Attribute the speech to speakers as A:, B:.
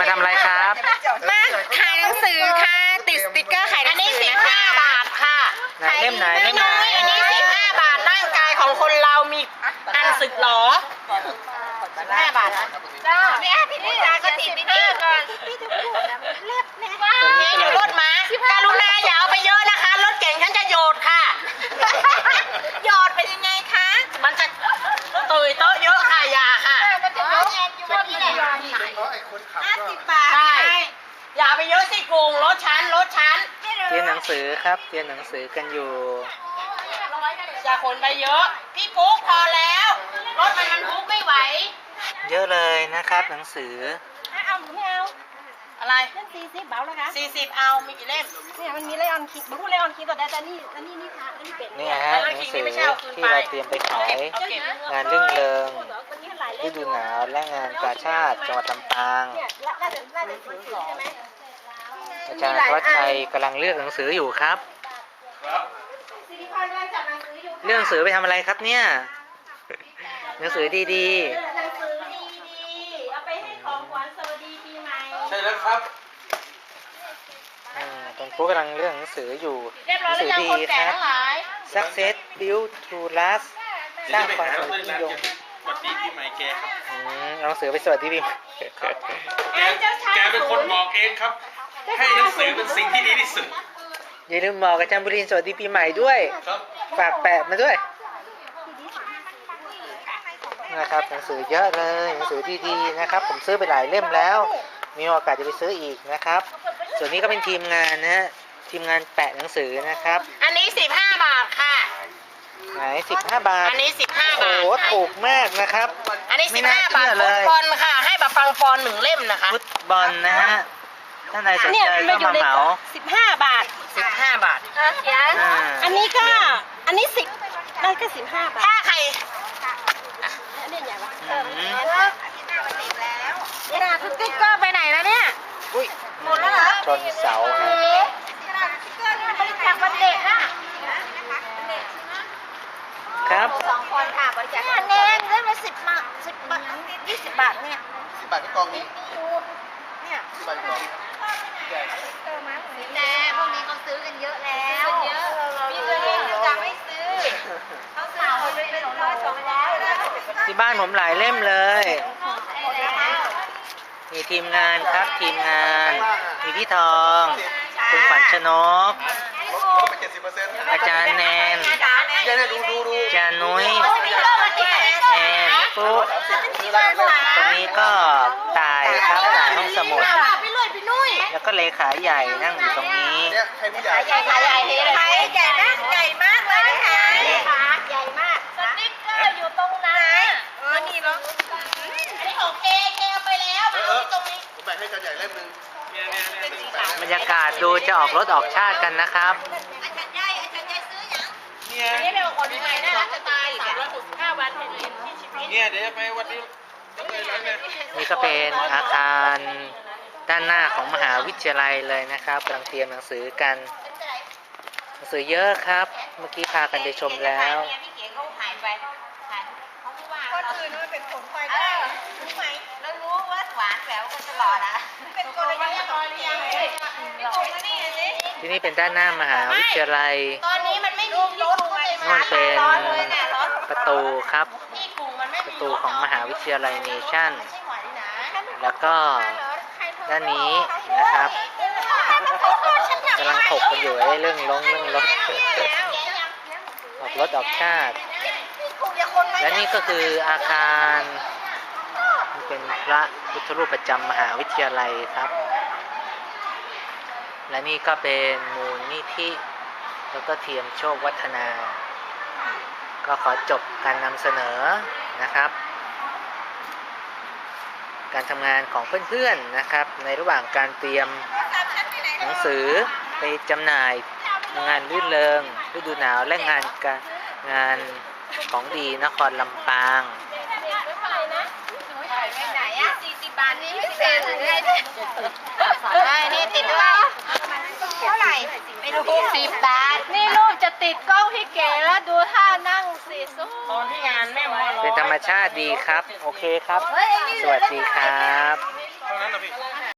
A: ทำอะไรครับ
B: มาขายหนังสือค่ะติดสติ๊กเกอร์ขายหนังสือ15 บาทค่ะ
A: เล่มไหนเล่มไหน
B: อันนี้15 บาทร่างกายของคนเรามีอันสึกหรอ15 บาทจ้าเนี่ยพี่นี่ราก็ติดพี่ก่อนเล็บเนี่ยเดี๋ยวรถมาการุณาอย่าเอาไปเยอะนะคะรถเก่งฉันจะโยดค่ะโยดเป็นยังไงคะมันจะตุยโต๊ะเยอะค่ะอย่าค่ะมันจะเยอะอยู่ว่าพี่เนี่ย50 บาทใช่อย่าไปเยอะสิโกงรถชั้น
A: เรียนหนังสือครับเรียนหนังสือกันอยู่
B: อย่าขนไปเยอะพี่ปุ๊กพอแล้วรถมันปุ๊กไม่ไหว
A: เยอะเลยนะครับหนังสือ
B: เอาหรือไม่เอาอะไรเล่ม40เบาแล้วคะ40เอามีกี่เล่มเนี่ยมันมีเลออนคิดบางคนเลออนคิดต่อได้แต่นี่ค่ะนี่เป็น
A: เนี่ยฮะหนังสือที่เราเตรียมไปขายงานรื่นเริงฤดูหนาวและงานกาชาดจังหวัดลำปางอาจารย์ธวัชชัยกำลังเลือกหนังสืออยู่ครับเลือกหนังสือไปทำอะไรครับเนี่ยหนังสือดีๆ
B: เอาไปให้ของขวัญสวัสดีปีใหม่
C: ใช่แล้วครับ
A: ตอนครูกำลังเลือกหนังสืออยู่หนังสือดีครับ Success Build to Last สร้างความสำเร็จนิยม
C: สวัสดีปีใหม่แกครับ
A: หนังสือไปสวัสดีปีใหม่
C: แกเป็นคนบอกเองครับให้หนังสือเป็นสิ่งที่ดีที่สุด
A: อย่าลืมบอกอาจารย์บุรินทร์สวัสดีปีใหม่ด้วยฝากแปะมาด้วยนะครับหนังสือเยอะเลยหนังสือดีๆนะครับผมซื้อไปหลายเล่มแล้วมีโอกาสจะไปซื้ออีกนะครับส่วนนี้ก็เป็นทีมงานนะฮะทีมงานแปะหนังสือนะครับ
B: อันนี้15 บาทค่ะ
A: ไหน15 บาท
B: อันนี้15 บาท
A: โอ้ถูกมากนะครับ
B: อันนี้15 บาทฟุตบอลค่ะให้แบบฟังปอน1 เล่มนะคะ
A: ฟุตบอลนะฮะท่านใดสนใจก็มาเหมา
B: 15 บาท15 บาทอันนี้ก็อันนี้10นั่นก็15 บาทถ้าใครเนี่ยใหญ่ปะนี่นะสติ๊กเกอร์ไปไหนแล้วเนี่ยหมดแล้วเหรอ
A: ชนเสาฮะ
B: บริจาควันเด็ก
A: ครับ
B: 2 คนค่ะบริจาคแนนได้มา10 บาท20 บาทเนี่ย
C: 10 บาทที่กองนี้
B: เนี่ย
C: 10 บาทกอง
B: แต่พวกนี้เขาซื้อกันเยอะแล้วมีเงินจะไม่ซื้อเขาซื้อคนไปเป็น100 200
A: ที่บ้านผมหลายเล่มเลยมีทีมงานครับทีมงานมีพี่ทองคุณขวัญชนกอาจารย์แนนอาจารย์นุ้ยแอนปุ๊กตรงนี้ก็ตายครับตายห้องสมุดแล้วก็เลขาใหญ่นั่งอยู่ตรงนี้
B: ใหญ่มากเลยนะคะใหญ่มากสติ๊กเกอร์อยู่ตรงนั้นนี่เนาะอันนี้ของเคเอาไปแล้วมาเอาที่ตรงนี้
C: ผมแบ่งให้กันใหญ่เล่มนึง
A: บรรยากาศดูจะออกรถออกชาติกันนะครับ
B: อาจารย์ใหญ่ซื้อยังอันนี้เป็นคนที่ไหนน่ารักจะตาย365 วันเห็นที่ชีวิต
C: เนี่ยเดี๋ยวไปวันนี้
A: นี่ก็เป็นอาคารด้านหน้าของมหาวิทยาลัยเลยนะครับกำลังเตรียมหนังสือกันหนังสือเยอะครับเมื่อกี้พากันไปชมแล้ว
B: คนอื่นมันเป็นผลพลอยได้รู้ไหมแล้วรู้ว่าหวานแหววกันตลอดอ่ะเป็นคนละยัง
A: ที่นี่เป็นด้านหน้ามหาวิทยาลัย
B: ตอนนี้มันไม่มีรถ
A: นู่นเป็นประตูครับประตูของมหาวิทยาลัยเนชั่นแล้วก็ด้านนี้นะครับกำลังถกกันอยู่เรื่องรถออกรถออกชาติและนี่ก็คืออาคารเป็นพระพุทธรูปประจำมหาวิทยาลัยครับและนี่ก็เป็นมูลนิธิแล้วก็เทียมโชควัฒนาก็ขอจบการนำเสนอนะครับการทำงานของเพื่อนๆนะครับในระหว่างการเตรียมหนังสือไปจำหน่ายงานรื่นเริงฤดูหนาวและงานของดีนครลำปาง
B: ไหนอ่ะ40 บาทนี่ไม่เสียเลยนี่ติดด้วยเท่าไหร่ไม่รู้10 บาทนี่รูปจะติดกล้องพี่เก๋แล้วดูท่านั่งสิตอนที่งานแม่หมอ
A: เป็นธรรมชาติดีครับโอเคครับสวัสดีครับ